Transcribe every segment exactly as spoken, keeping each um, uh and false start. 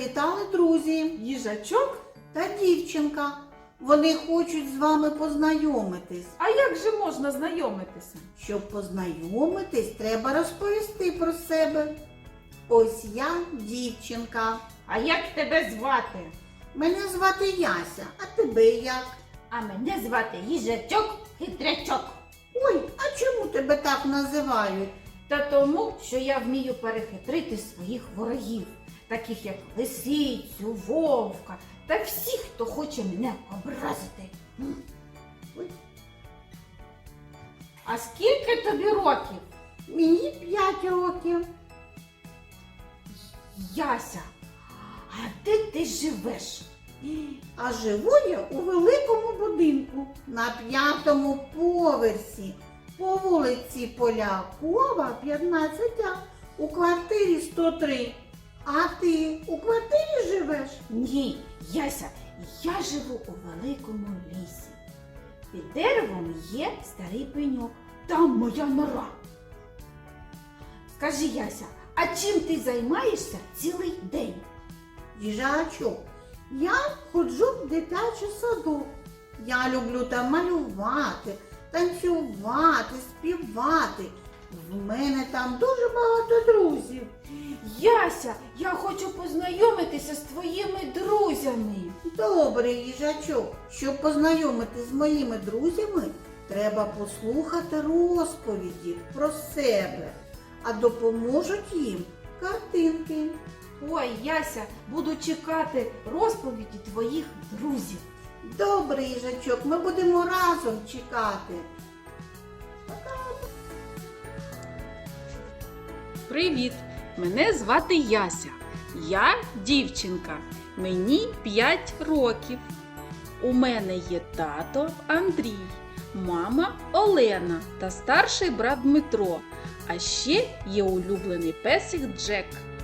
завітали друзі. Їжачок? Та дівчинка. Вони хочуть з вами познайомитись. А як же можна знайомитися? Щоб познайомитись, треба розповісти про себе. Ось я дівчинка. А як тебе звати? Мене звати Яся, а тебе як? А мене звати Їжачок Хитрячок. Ой, а чому тебе так називають? Та тому, що я вмію перехитрити своїх ворогів, таких як лисицю, вовка та всіх, хто хоче мене образити. М. Ой, А скільки тобі років? мені п'ять років. Яся, а де ти живеш? А живу я у великому будинку на п'ятому поверсі по вулиці Полякова, п'ятнадцять А, у квартирі сто три. А ти у квартирі живеш? Ні, Яся, я живу у великому лісі. Під деревом є старий пеньок. Там моя нора. Скажи, Яся, а чим ти займаєшся цілий день? Їжачок, я ходжу в дитячий садок. Я люблю там малювати, танцювати, співати. В мене там дуже багато друзів. Яся, я хочу познайомитися з твоїми друзями. Добре, їжачок, щоб познайомитись з моїми друзями, треба послухати розповіді про себе, а допоможуть їм картинки. Ой, Яся, буду чекати розповіді твоїх друзів. Добре, їжачок, ми будемо разом чекати. Привіт! Мене звати Яся. Я дівчинка. Мені п'ять років. У мене є тато Андрій, мама Олена та старший брат Дмитро. А ще є улюблений песик Джек.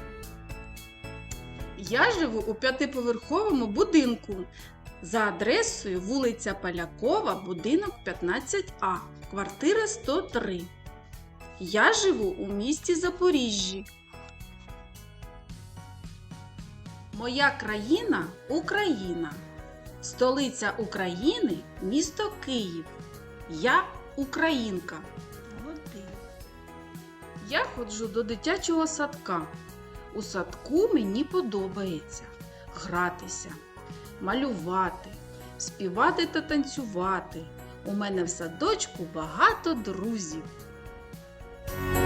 Я живу у п'ятиповерховому будинку за адресою вулиця Полякова, будинок п'ятнадцять А, квартира сто три. Я живу у місті Запоріжжі. Моя країна – Україна. Столиця України – місто Київ. Я українка. Я ходжу до дитячого садка. У садку мені подобається гратися, малювати, співати та танцювати. У мене в садочку багато друзів.